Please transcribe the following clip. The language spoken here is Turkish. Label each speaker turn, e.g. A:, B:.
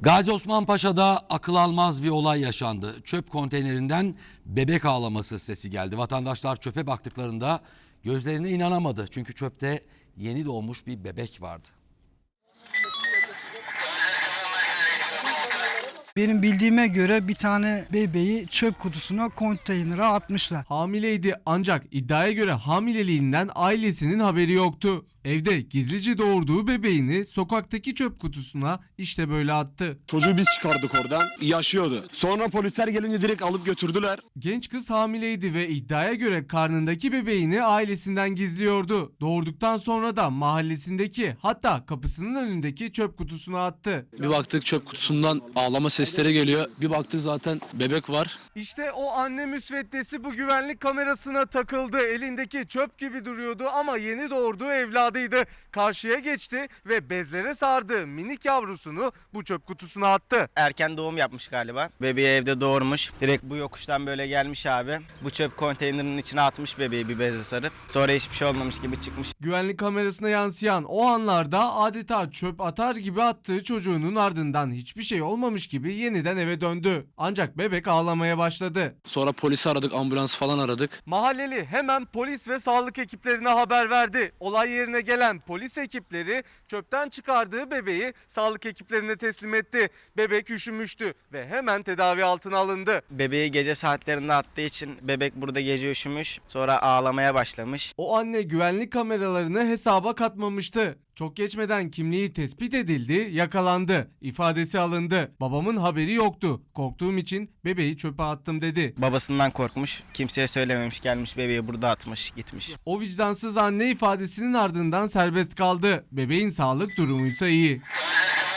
A: Gazi Osman Paşa'da akıl almaz bir olay yaşandı. Çöp konteynerinden bebek ağlaması sesi geldi. Vatandaşlar çöpe baktıklarında gözlerine inanamadı. Çünkü çöpte yeni doğmuş bir bebek vardı.
B: Benim bildiğime göre bir tane bebeği çöp kutusuna, konteynere atmışlar.
C: Hamileydi ancak iddiaya göre hamileliğinden ailesinin haberi yoktu. Evde gizlice doğurduğu bebeğini sokaktaki çöp kutusuna işte böyle attı.
D: Çocuğu biz çıkardık oradan. Yaşıyordu. Sonra polisler gelince direkt alıp götürdüler.
C: Genç kız hamileydi ve iddiaya göre karnındaki bebeğini ailesinden gizliyordu. Doğurduktan sonra da mahallesindeki, hatta kapısının önündeki çöp kutusuna attı.
E: Bir baktık çöp kutusundan ağlama sesleri geliyor. Bir baktık zaten bebek var.
C: İşte o anne müsveddesi bu güvenlik kamerasına takıldı. Elindeki çöp gibi duruyordu ama yeni doğurduğu evladıydı. Karşıya geçti ve bezlere sardığı minik yavrusunu bu çöp kutusuna attı.
F: Erken doğum yapmış galiba. Bebeği evde doğurmuş. Direkt bu yokuştan böyle gelmiş abi. Bu çöp konteynerinin içine atmış bebeği bir bezle sarıp. Sonra hiçbir şey olmamış gibi çıkmış.
C: Güvenlik kamerasına yansıyan o anlarda adeta çöp atar gibi attığı çocuğunun ardından hiçbir şey olmamış gibi yeniden eve döndü. Ancak bebek ağlamaya başladı.
E: Sonra polisi aradık, ambulans falan aradık.
C: Mahalleli hemen polis ve sağlık ekiplerine haber verdi. Olay yerine gelen polis ekipleri çöpten çıkardığı bebeği sağlık ekiplerine teslim etti. Bebek üşümüştü ve hemen tedavi altına alındı.
F: Bebeği gece saatlerinde attığı için bebek burada gece üşümüş. Sonra ağlamaya başlamış.
C: O anne güvenlik kameralarını hesaba katmamıştı. Çok geçmeden kimliği tespit edildi, yakalandı. İfadesi alındı. Babamın haberi yoktu. Korktuğum için bebeği çöpe attım dedi.
F: Babasından korkmuş. Kimseye söylememiş. Gelmiş bebeği burada atmış gitmiş.
C: O vicdansız anne ifadesinin ardından serbest kaldı. Bebeğin sağlık durumuysa iyi.